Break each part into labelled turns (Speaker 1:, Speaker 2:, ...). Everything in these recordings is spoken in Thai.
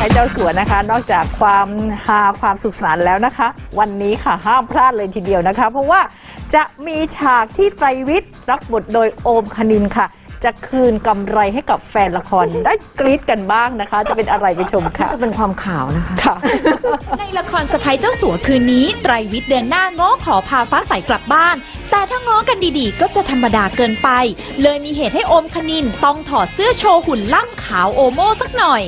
Speaker 1: พ้เจ้าสัวนะคะนอกจากความฮาความสุขสนานแล้วนะคะ วันนี้ค่ะห้ามพลาดเลยทีเดียวนะคะเพราะว่าจะมีฉากที่ไตรวิทย์รับบทโดยโอมคณินค่ะจะคืนกำไรให้กับแฟนละครได้กรี๊ดกันบ้างนะคะจะเป็นอะไรไปชมค่ะ
Speaker 2: จะเป็นความข่าวนะคะ
Speaker 1: ค่ะ
Speaker 3: ในละครสะใภ้เจ้าสัวคืนนี้ไตรวิทย์เดินหน้าง้อขอพาฟ้าใสกลับบ้านแต่ถ้าง้อกันดีๆก็จะธรรมดาเกินไปเลยมีเหตุให้โอมคณินต้องถอดเสื้อโชว์หุ่นล่ำขาวโอโม่สักหน่อย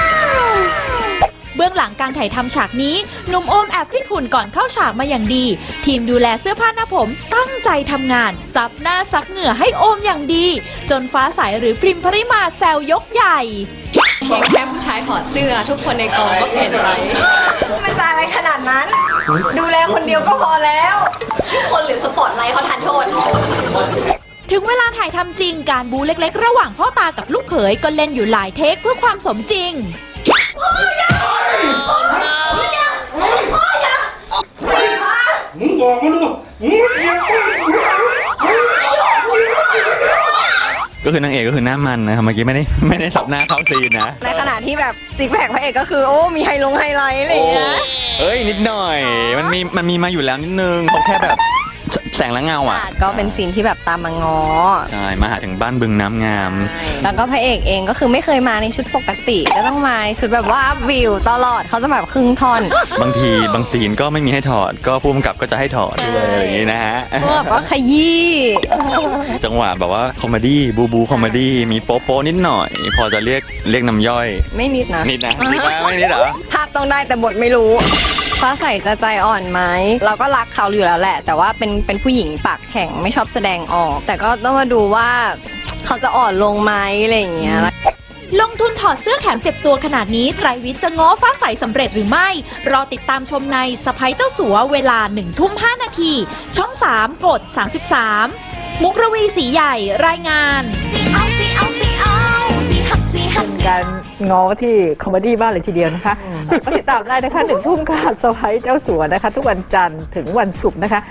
Speaker 3: เบื้องหลังการถ่ายทำฉากนี้หนุ่มโอมแอบฟิตหุ่นก่อนเข้าฉากมาอย่างดีทีมดูแลเสื้อผ้าหน้าผมตั้งใจทำงานซับหน้าซักเหงื่อให้โอมอย่างดีจนฟ้าใสหรือพริมพริมาแซวยกใหญ่
Speaker 4: แค่ผู้ชายถอดเสื้อทุกคนในกองก็เปลี่ยนไปไม่ตายอะไรขนาดนั้น ดูแลคนเดียวก็พอแล้วทุกคนหรือสปอตไลท์เขาทานโทษ
Speaker 3: ถึงเวลาถ่ายทำจริงการบูเล็กๆระหว่างพ่อตากับลูกเขยก็เล่นอยู่หลายเทคเพื่อความสมจริง
Speaker 5: ก็คือนางเอกก็คือหน้ามันนะครับเมื่อกี้ไม่ได้สับหน้าเข้าซีนนะ
Speaker 4: ในขณะที่แบบซิกแพคพระเอกก็คือโอ้มีไฮไลท์อะไรอย่างเงี้ย
Speaker 5: เอ้ยนิดหน่อยมันมีมาอยู่แล้วนิดนึงเขาแค่แบบแสงและเงาอ่ะ
Speaker 4: ก็เป็นซีนที่แบบตามมาง้อ
Speaker 5: ใช่มาหาถึงบ้านบึงน้ำงาม
Speaker 4: แล้วก็พระเอกเองก็คือไม่เคยมาในชุดปกติก็ต้องมาชุดแบบว่าวิวตลอดเขาจะแบบครึ่งท่อน
Speaker 5: บางซีนก็ไม่มีให้ถอดก็ผู้กำกับก็จะให้ถอดด้วยอย่างนี้นะฮะ
Speaker 4: ก็ขยี้
Speaker 5: จังหวะแบบว่าคอมเมดี้บูคอมเมดี้มีโป๊ะนิดหน่อยพอจะเรียกน้ำย่อย
Speaker 4: ไม่นิดนะ
Speaker 5: ไม่นิดเหรอ
Speaker 4: ภาพต้องได้แต่บทไม่รู้ฟ้าใสจะใจอ่อนไหมเราก็รักเขาอยู่แล้วแหละแต่ว่าเป็นผู้หญิงปากแข็งไม่ชอบแสดงออกแต่ก็ต้องมาดูว่าเขาจะอ่อนลงไหมอะไรอย่างเงี้ย
Speaker 3: ลงทุนถอดเสื้อแถมเจ็บตัวขนาดนี้ไตรวิทย์จะง้อฟ้าใสสำเร็จหรือไม่รอติดตามชมในสะใภ้เจ้าสัวเวลา 19:05 น.ช่อง 3 กด 33มุกระวีศรีใหญ่รายงาน
Speaker 1: การง้อที่คอมเมดี้มากเลยทีเดียวนะคะก็ติดตามได้นะคะ 19:00 น.ค่ะสะใภ้เจ้าสัวนะคะทุกวันจันทร์ถึงวันศุกร์นะคะ